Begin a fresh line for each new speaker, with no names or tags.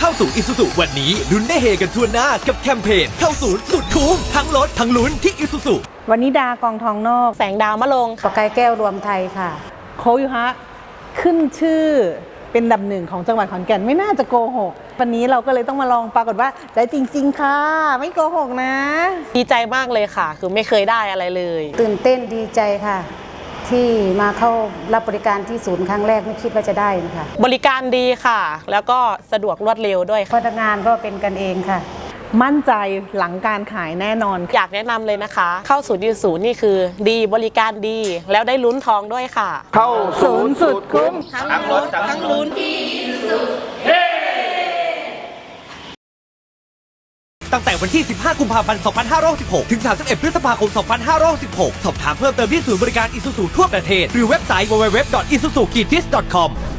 เข้าสู่ Isuzu วันนี้ลุ้นได้เฮกันทั่วหน้ากับแคมเปญเข้าศูนย์สุดคุ้มทั้งลดทั้งลุ้นที่ Isuzu
วันนี้ดากองทองนอก
แสงดาวมะลง
ปากายแก้วรวมไทยค่ะ
โคยูฮะขึ้นชื่อเป็นอันดับหนึ่งของจังหวัดขอนแก่นไม่น่าจะโกหกวันนี้เราก็เลยต้องมาลองปรากฏว่าได้จริงๆค่ะไม่โกหกนะ
ดีใจมากเลยค่ะ คือไม่เคยได้อะไรเลย
ตื่นเต้นดีใจค่ะ ที่มาเข้ารับบริการที่ศูนย์ครั้งแรกไม่คิดว่าจะได้นะคะ
บริการดีค่ะ แล้วก็สะดวกรวดเร็วด้วย
พนักงานก็เป็นกันเองค่ะ
มั่นใจหลังการขายแน่นอน
อยากแนะนำเลยนะคะ เข้าศูนย์ยูศูนย์นี่คือดีบริการดี แล้วได้ลุ้นทองด้วยค่ะ
เข้าศูนย์สุดคุ้ม
ทั้งรถทั้งลุ้น
ตั้งแต่วันที่ 15 กุมภาพันธ์ 2566 ถึง 31 พฤษภาคม 2566 สอบถามเพิ่มเติมที่ศูนย์บริการ Isuzu ทั่วประเทศ หรือเว็บไซต์ www.isuzu-tis.com